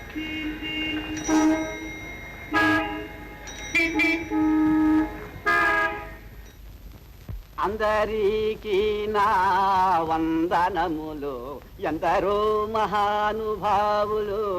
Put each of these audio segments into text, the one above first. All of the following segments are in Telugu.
అందరికీ నా వందనములు, ఎందరో మహానుభావులు.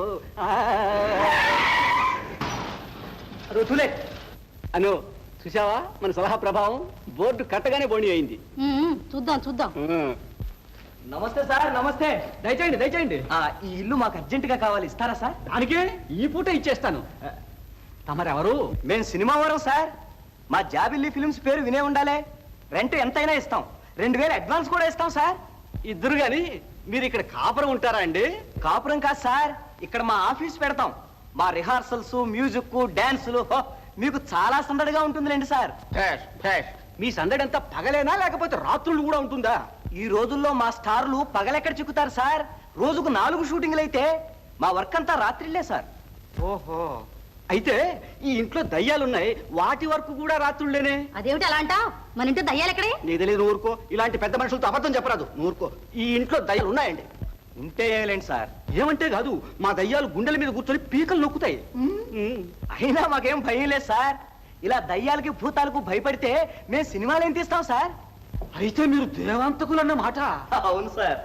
రుతులే అను చూసావా మన సలహా ప్రభావం? బోర్డు కట్టగానే బోణి అయింది. చూద్దాం చూద్దాం. నమస్తే సార్. నమస్తే. దయచేయండి దయచేయండి. ఈ ఇల్లు మాకు అర్జెంటుగా కావాలి, ఇస్తారా సార్? దానికే ఈ పూట ఇచ్చేస్తాను. తమరెవరు? మేము సినిమా వారం సార్. మా జాబిల్లి ఫిల్మ్స్ పేరు వినే ఉండాలే. రెంట్ ఎంతైనా ఇస్తాం. 2000 అడ్వాన్స్ కూడా ఇస్తాం సార్. ఇద్దరు గాని మీరు ఇక్కడ కాపురం ఉంటారా అండి? కాపురం కాదు సార్, ఇక్కడ మా ఆఫీస్ పెడతాం. మా రిహార్సల్స్, మ్యూజిక్, డాన్సులు మీకు చాలా సందడిగా ఉంటుందిలేండి సార్. మీ సందడి అంతా పగలేనా లేకపోతే రాత్రులు కూడా ఉంటుందా? ఈ రోజుల్లో మా స్టార్లు పగలెక్కడ చిక్కుతారు సార్? రోజుకు 4 షూటింగ్లు అయితే మా వర్క్ అంతా రాత్రిళ్లే సార్. ఓహో, అయితే ఈ ఇంట్లో దయ్యాలున్నాయి, వాటి వరకు కూడా రాత్రుళ్ళేనే. అదేమిటి అలా అంటావ్? మన ఇంట్లో దయ్యాలు ఎక్కడే? నీకు తెలియదు, ఊరుకో. ఇలాంటి పెద్ద మనుషులతో అబద్ధం చెప్పరాదు, ఊరుకో. ఈ ఇంట్లో దయ్యాలు ఉన్నాయండి. ఉంటే ఏలేండి సార్. ఏమంటే కాదు, మా దయ్యాలు గుండెల మీద కూర్చొని పీకలు నొక్కుతాయి. అయినా మాకేం భయం లేదు సార్. ఇలా దయ్యాలకి భూతాలకు భయపడితే మేము సినిమాలు ఏం తీస్తాం సార్? అయితే మీరు దేవాంతకులు అన్న మాట. అవును సార్.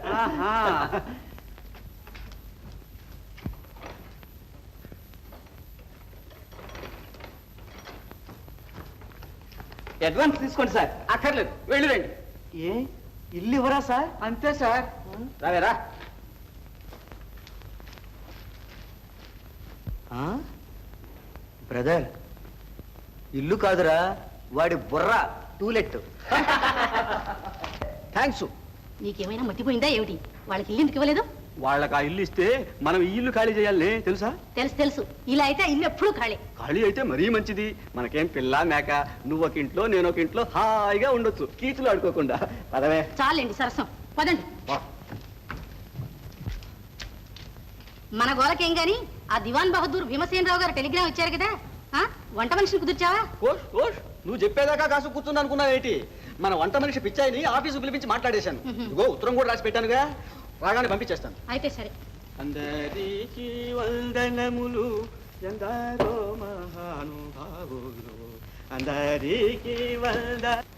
అడ్వాన్స్ తీసుకోండి సార్. అక్కర్లేదు, వెళ్ళిరండి. ఏ ఇల్లు ఇవ్వరా సార్? అంతే సార్. రావేరా. బ్రదర్, ఇల్లు కాదురా, వాడి బుర్ర టూలెట్. థ్యాంక్స్. నీకేమైనా మర్చిపోయిందా ఏమిటి? వాళ్ళకి ఇల్లు ఎందుకు ఇవ్వలేదు? వాళ్ళకి ఆ ఇల్లు ఇస్తే మనం ఈ ఇల్లు ఖాళీ చేయాలి, తెలుసా? తెలుసు తెలుసు. ఇలా అయితే ఇల్లు ఎప్పుడు ఖాళీ. ఖాళీ అయితే మరీ మంచిది. మనకేం పిల్ల మేక, నువ్వు ఒక ఇంట్లో నేను ఒక ఇంట్లో హాయిగా ఉండొచ్చు, కీచులు ఆడుకోకుండా. పదవే. చాలండి సరసం, పదండి. మన గోలకేం గాని ఆ దివాన్ బహదూర్ భీమసేనరావు గారు టెలిగ్రామ్ ఇచ్చారు కదా, వంట మనిషిని కుదిర్చావా? నువ్వు చెప్పేదాకా కాసు కూర్చుంది అనుకున్నావేంటి? మన వంట మనిషి పిచ్చాయిని ఆఫీసు పిలిపించి మాట్లాడేశాను. ఇదిగో ఉత్తరం కూడా రాసి పెట్టానుగా, రాగానే పంపించేస్తాను. అయితే సరే. అందరికీ వందనములు, ఎందరో మహానుభావులు, అందరికీ వంద